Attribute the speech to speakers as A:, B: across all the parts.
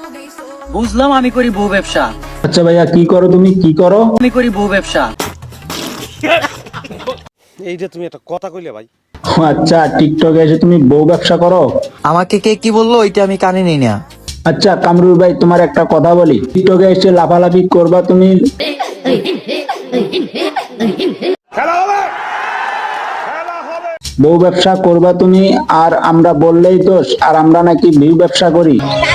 A: বুঝলাম, আমি করি বউ ব্যবসা।
B: আচ্ছা ভাইয়া, কি করো তুমি, কি করো?
A: আমি করি বউ ব্যবসা।
C: এইটা তুমি একটা কথা কইলে ভাই।
B: ও আচ্ছা, টিকটকে এসে তুমি বউ ব্যবসা করো?
D: আমাকে কে কি বললো ওইটা আমি কানে নিই না।
B: আচ্ছা কামরুল ভাই, তোমার একটা কথা বলি, টিকটকে এসে লাফালাফি করবা তুমি? বউ ব্যবসা করবা তুমি, আর আমরা বললেই দোষ, আর আমরা নাকি ভিউ ব্যবসা করি?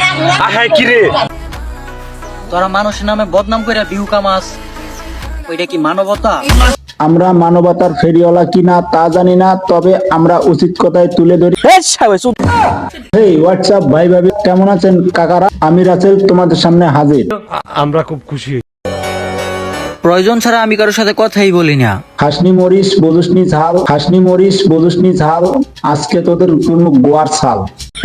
A: তোরা মানুষের নামে বদনাম করে ভিউ কামাস, ওইটা কি মানবতা?
B: আমরা মানবতার ফেরিওয়ালা কিনা তা জানি না, তবে আমরা উচিত কথায় তুলে ধরি। হেই হোয়াটসঅ্যাপ ভাই ভাবি, কেমন আছেন কাকারা? আমি রাসেল তোমাদের সামনে হাজির।
C: আমরা খুব খুশি।
A: প্রয়োজন ছাড়া আমি কারোর সাথে কথাই বলি না।
B: হাসনি মরিস বুঝুসনি ঝাল, হাসনি মরিস বুঝুসনি ঝাল, আজকে তোদের কোনো গোয়ার ছাল।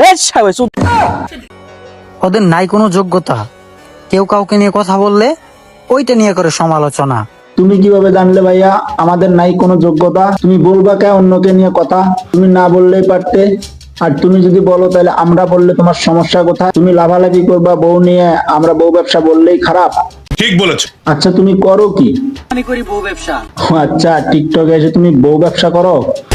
D: ওদের নাই কোনো যোগ্যতা, কেউ কাউকে নিয়ে কথা বললে ওইটা নিয়ে করে সমালোচনা।
B: তুমি কিভাবে জানলে ভাইয়া আমাদের নাই কোনো যোগ্যতা? তুমি বলবা কে অন্যকে নিয়ে কথা? তুমি না বললেই পারতে। আর তুমি যদি বলো তাহলে আমরা বললে তোমার সমস্যা কোথায়? তুমি লাভালাভি করবা বউ নিয়ে, আমরা বউ ব্যবসা বললেই খারাপ?
E: ঠিক বলেছো।
B: আচ্ছা তুমি করো কি?
A: আমি করি বউ ব্যবসা।
B: ও আচ্ছা, টিকটকে এসে তুমি বউ ব্যবসা করো?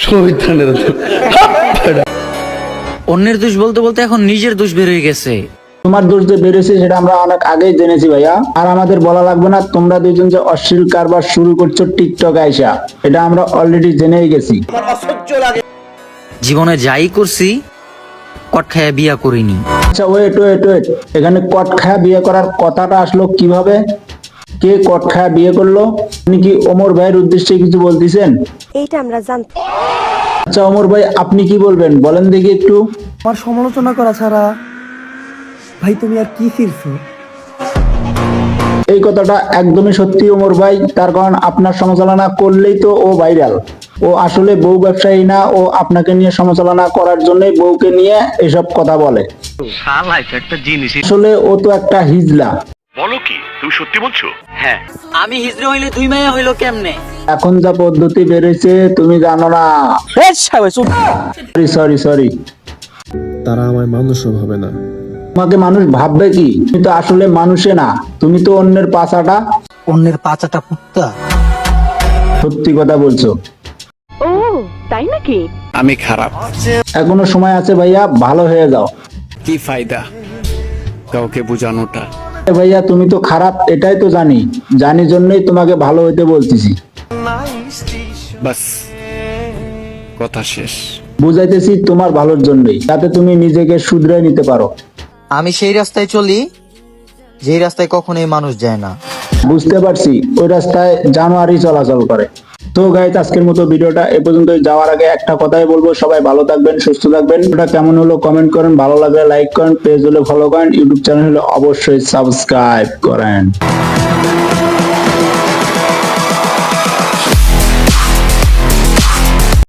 A: অন্যের দোষ বলতে বলতে এখন নিজের দোষ বের হয়ে গেছে।
B: তোমার দোষ যে বেড়েছে সেটা আমরা অনেক আগেই জেনেছি ভাইয়া, আর আমাদের বলা লাগবে না। তোমরা দুজন যে অশ্লীল কারবার শুরু করছো টিকটক আইসা, এটা আমরা অলরেডি জেনেই গেছি।
A: জীবনে যাই করছি কট খাইয়া বিয়া করিনি।
B: আচ্ছা ওয়েট ওয়েট ওয়েট, এখানে কট খায়া বিয়ে করার কথাটা আসলো কিভাবে? কে কট খায়া বিয়ে করলো? আপনি কি ওমর ভাইয়ের উদ্দেশ্যে কিছু বলতেছেন?
F: এইটা আমরা জানতাম।
B: আচ্ছা ওমর ভাই, আপনি কি বলবেন বলেন দেখি একটু।
G: আমার সমালোচনা করা ছাড়া ভাই তুমি আর কি ফিরছো?
B: এই কথাটা একদমই সত্যি ওমর ভাই, তার কারণ আপনার সমালোচনা করলেই তো ও ভাইরাল। ও আসলে বউ ব্যবসায়ী না, ও আপনাকে নিয়ে সমালোচনা করার জন্যই বউকে নিয়ে এসব কথা বলে। আসলে ও তো একটা হিজলা।
E: বলো কি, তুমি সত্যি বলছো? হ্যাঁ।
A: আমি হিজড়ে হইলে দুই মাইয়া হইলো কেমনে?
B: এখন যা পদ্ধতি বেড়েছে তুমি জানো না। Sorry sorry sorry.
H: তারা আমায় মানুষও ভাবে না।
B: তোমাকে মানুষ ভাববে কি? তুমি তো আসলে মানুষে না, তুমি তো অন্যের পাছাটা।
D: অন্যের পাচাটা কুত্তা।
B: সত্যি কথা বলছো।
F: ও তাই নাকি?
H: আমি খারাপ।
B: এখনো সময় আছে ভাইয়া, ভালো হয়ে যাও।
H: কি ফায়দা কাউকে বোঝানোটা?
B: ভাইয়া তুমি তো খারাপ, এটাই তো জানি, জানি জন্যই তোমাকে ভালো হইতে বলতেছি।
H: বাস, কথা শেষ।
B: বুঝাইতেছি তোমার ভালোর জন্যই, যাতে তুমি নিজেকে শুধরে নিতে পারো।
D: আমি সেই রাস্তায় চলি যেই রাস্তায় কখনোই মানুষ যায় না।
B: বুঝতে পারছি, ওই রাস্তায় জানোয়ারই চলাচল করে। তো গাইস, আজকের মতো ভিডিওটা এ পর্যন্ত। যাওয়ার আগে একটা কথাই বলবো, সবাই ভালো থাকবেন, সুস্থ থাকবেন। ভিডিওটা কেমন হলো কমেন্ট করেন, ভালো লাগলে লাইক করেন, পেজ হলে ফলো করেন, ইউটিউব চ্যানেল হলে অবশ্যই সাবস্ক্রাইব করেন।